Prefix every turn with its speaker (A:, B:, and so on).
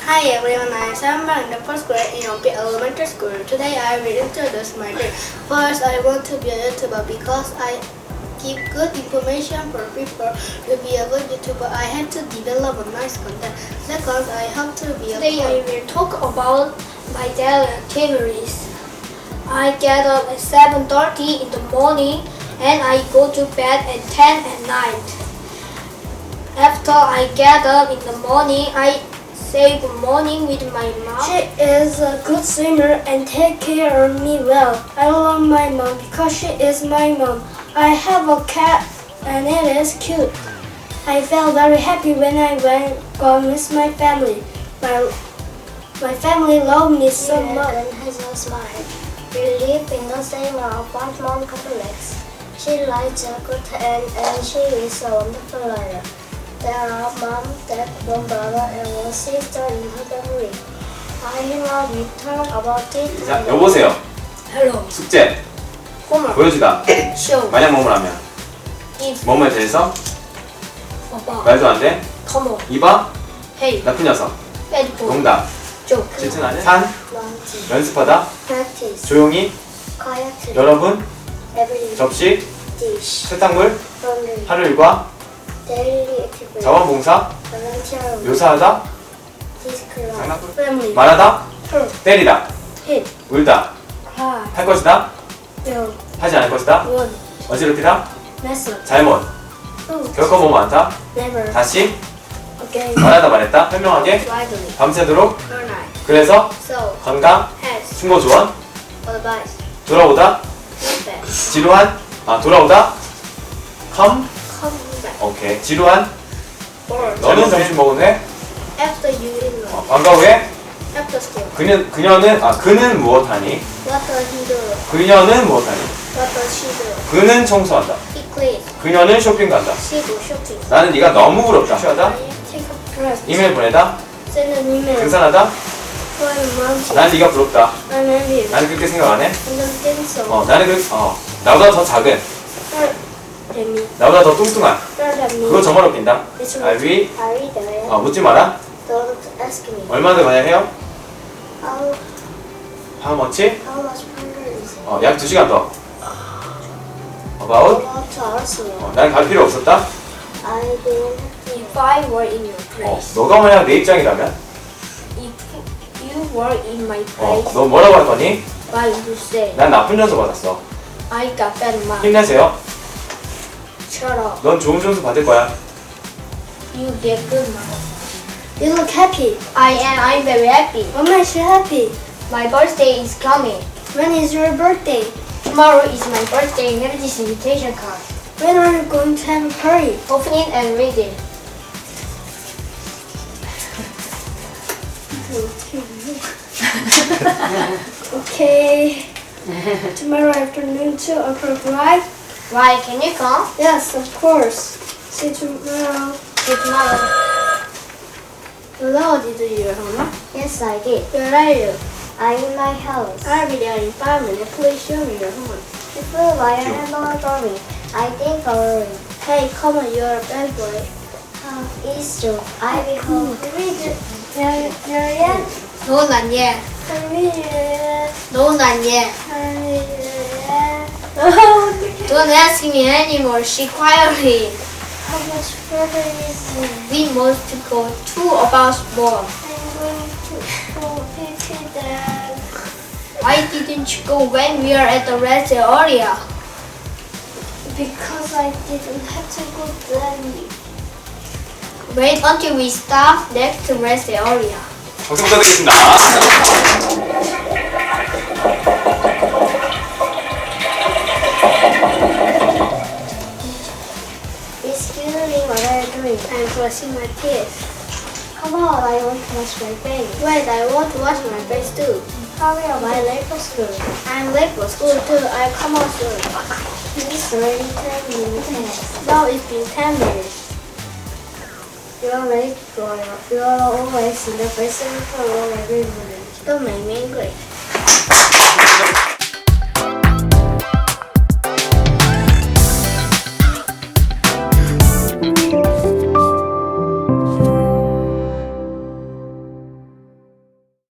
A: Hi everyone, I am Samba in the first grade in Ompi Elementary School. Today I will introduce my dream. First, I want to be a YouTuber because I give good information for people. To be a good YouTuber, I have to develop a nice content. Second, I have to be a
B: Today I will talk about my daily activities. I get up at 7:30 in the morning and I go to bed at 10 at night. After I get up in the morning, I say good morning with my mom.
C: She is a good swimmer and take care of me well. I love my mom because she is my mom. I have a cat and it is cute. I felt very happy when I went gone with my family. My family love me so much.
D: And has a smile. We live in the same apartment complex. She likes a good and she is a wonderful liar. There are mom, dad, one brother, and one sister in her family. I have written about it.
E: 자, 여보세요.
B: Hello.
E: 숙제.
B: Homework.
E: 보여주다.
B: Show.
E: 만약 뭐뭐 하면.
B: If.
E: 뭐뭐에 대해서
B: About.
E: 말도 안 돼.
B: Come on.
E: 이봐.
B: Hey.
E: 나쁜 녀석.
B: Bad boy.
E: 농담.
B: Joke.
E: 질투나는. 산.
D: Lunch,
E: 연습하다.
D: practice,
E: 조용히.
D: quietly,
E: 여러분.
D: every
E: 접시.
D: dish,
E: 세탁물.
D: laundry,
E: 하루 일과.
D: daily activity,
E: 자원봉사.
D: volunteer,
E: 묘사하다.
D: describe,
E: 장난꾸러.
C: Family.
E: 말하다.
C: Hurt.
E: 때리다.
C: Hit.
E: 울다.
C: Cry.
E: 할 것이다.
C: Build.
E: 하지 않을 것이다.
C: Would.
E: 어지럽히다.
C: Mess up.
E: 잘못.
C: Food.
E: 겪어보면 많다.
C: Never.
E: 다시.
C: Again.
E: 말하다 말했다. 설명하게.
B: Widely.
E: 밤새도록.
A: good night.
E: 그래서.
B: So.
E: 건강.
A: Has
E: 충고 조언.
B: Advice.
E: 돌아오다.
A: feedback.
E: 지루한. 돌아오다. come.
A: Come back.
E: 오케이. 지루한.
A: Bored.
E: 너는 점심 먹은 후에.
A: After you eat lunch.
E: 방과 후에.
A: After school.
E: 그는 무엇하니?
A: What does he do?
E: 그녀는 무엇하니?
A: What does she do?
E: 그는 청소한다.
A: He cleans.
E: 그녀는 쇼핑 간다.
A: She do shopping.
E: 나는 네가 너무 부럽다. 취하다.
A: I take a rest.
E: 이메일 보내다.
C: Send an email.
E: 등산하다.
C: Climb a mountain.
E: 나는 네가 부럽다.
C: I'm envious.
E: 나는 그렇게 생각 안 해.
C: I don't think so.
E: 나는 나보다 더 작은.
C: Hurt at me.
E: 나보다 더 뚱뚱한.
C: Hurt at me.
E: 그거 저만 웃긴다.
C: It's
E: I will.
D: I read it.
E: 묻지 마라.
D: Don't ask me.
E: 얼마 더 만약 해요?
D: How
E: How much?
D: much longer is it?
E: 약 2시간 더. About?
D: About 2 hours more.
E: 나는 갈 필요 없었다.
D: I didn't.
B: If I were in your place.
E: 너가 만약 내 입장이라면
B: If you were in my place.
E: 너 뭐라고 할 거니?
B: What would you say?
E: 난 나쁜 점수 받았어.
B: I got bad marks.
E: 힘내세요.
B: Shut up.
E: 넌 좋은 점수 받을 거야.
B: You get good marks.
C: You look happy.
B: I'm very happy.
C: What makes you happy?
B: My birthday is coming.
C: When is your birthday?
B: Tomorrow is my birthday. Have this invitation card.
C: When are you going to have a party?
B: Open it and read it.
C: Okay. Tomorrow afternoon 2 o'clock, right?
B: Why? Can you come?
C: Yes, of course. See you tomorrow.
B: See you tomorrow.
A: Hello, did you hear Hannah?
D: Yes, I did.
A: Where are you?
D: I'm in my house.
A: I'll be there in 5 minutes. Please show me your homework.
D: Before I have no drawing, I think coloring.
A: Hey, come on, you're a bad boy.
D: It's true. I will home.
C: Marianne?
B: No, not yet.
C: Marianne?
B: No, not yet.
C: Marianne?
B: Don't ask me anymore. She quietly.
C: How much further is it?
B: We must go 2 hours more.
C: I'm going to go pee then.
B: Why didn't you go when we are at the rest area?
C: Because I didn't have to go then.
B: Wait until we stop next to rest area.
E: 박수 부탁드리겠습니다.
D: Excuse me, what are you doing?
A: I'm brushing my teeth.
D: Come on, I want to wash my face.
A: Wait, I want to wash my face too.
D: Hurry up, I'm late for school.
A: I'm late for school too. I'll come out soon.
D: It's already 10 minutes.
A: Now it's been 10 minutes.
D: You're late, Gloria. You're always in the first row every morning.
A: Don't make me angry.